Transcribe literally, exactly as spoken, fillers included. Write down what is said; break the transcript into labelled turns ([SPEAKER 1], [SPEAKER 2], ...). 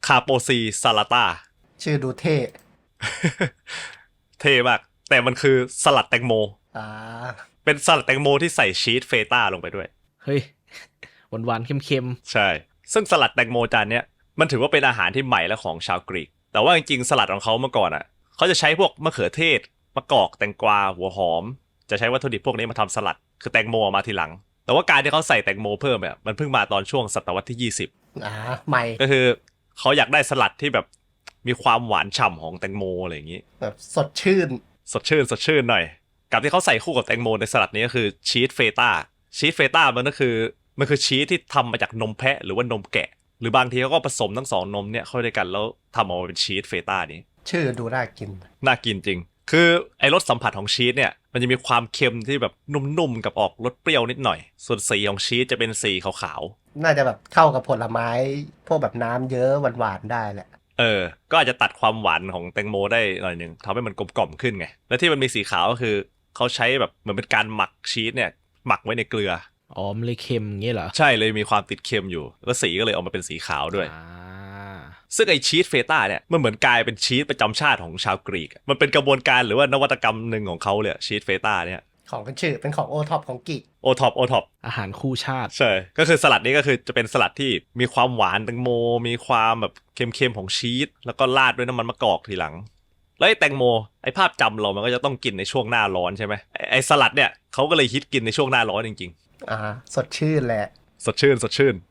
[SPEAKER 1] าโปซีซาลาต้า
[SPEAKER 2] ชื่อดูเท่
[SPEAKER 1] เท่มากแต่มันคือสลัดแตงโม
[SPEAKER 2] อ่า
[SPEAKER 1] เป็นสลัดแตงโมที่ใส่ชีสเฟต้าลงไปด้วย
[SPEAKER 3] เฮ้ยหวานๆเค็ม
[SPEAKER 1] ใช่ซึ่งสลัดแตงโมจานเนี้ยมันถือว่าเป็นอาหารที่ใหม่และของชาวกรีกแต่ว่าจริงๆสลัดของเขาเมื่อก่อนอ่ะเขาจะใช้พวกมะเขือเทศมะกอกแตงกวาหัวหอมจะใช้วัตถุดิบพวกนี้มาทำสลัดคือแตงโมมาทีหลังแต่ว่าการที่เขาใส่แตงโมเพิ่มเนี่ยมันเพิ่งมาตอนช่วงศตวรรษที่ยี่สิบ
[SPEAKER 2] อ่าใหม่
[SPEAKER 1] ก็คือเขาอยากได้สลัดที่แบบมีความหวานฉ่ำของแตงโมอะไรอย่างนี้
[SPEAKER 2] แบบสดชื่น
[SPEAKER 1] สดชื่นสดชื่นหน่อยกับที่เขาใส่คู่กับแตงโมในสลัดนี้ก็คือชีสเฟต้าชีสเฟต้ามันก็คือมันคือชีสที่ทำมาจากนมแพะหรือว่านมแกะหรือบางทีเขาก็ผสมทั้งสองนมเนี่ยเข้าด้วยกันแล้วทำออกมาเป็นชีสเฟต้านี้
[SPEAKER 2] ชื่อดูน่ากิน
[SPEAKER 1] น่ากินจริงคือไอ้รสสัมผัสของชีสเนี่ยมันจะมีความเค็มที่แบบนุ่มๆกับออกรสเปรี้ยวนิดหน่อยส่วนสีของชีสจะเป็นสีขาว
[SPEAKER 2] น่าจะแบบเข้ากับผลไม้ พวกแบบน้ำเยอะหวานๆได้แหละ
[SPEAKER 1] ๆเออก็อาจจะตัดความหวานของแตงโมได้หน่อยนึงทำให้มันกลมกล่อมขึ้นไงและที่มันมีสีขาวก็คือเขาใช้แบบเหมือนเป็นการหมักชีสเนี่ยหมักไว้ในเกลือ
[SPEAKER 3] ๆอ๋อมันเลยเค็มอย่างเงี้ยเหรอ
[SPEAKER 1] ใช่เลยมีความติดเค็มอยู่แล้วสีก็เลยออกมาเป็นสีขาวด้วย
[SPEAKER 3] อ่า
[SPEAKER 1] ซึ่งไอชีสเฟต้าเนี่ยมันเหมือนกลายเป็นชีสประจำชาติของชาวกรีกมันเป็นกระบวนการหรือว่านวัตกรรมหนึ่งของเขาเลยชีสเฟต้าเนี่ย
[SPEAKER 2] ของเป็นชื่อเป็นของโอท็อปของกิก
[SPEAKER 1] โอท็อปโอท็อป
[SPEAKER 3] อาหารคู่ชาติ
[SPEAKER 1] ใช่ก็คือสลัดนี้ก็คือจะเป็นสลัดที่มีความหวานแตงโมมีความแบบเค็มๆของชีสแล้วก็ราดด้วยน้ำมันมะกอกทีหลังแล้วไอ้แตงโมไอ้ภาพจำเรามันก็จะต้องกินในช่วงหน้าร้อนใช่ไหมไอ้ไอ้สลัดเนี่ยเขาก็เลยฮิตกินในช่วงหน้าร้อนจริง
[SPEAKER 2] อ่า สดชื่นแหละ
[SPEAKER 1] ๆสดชื่นสดชื่น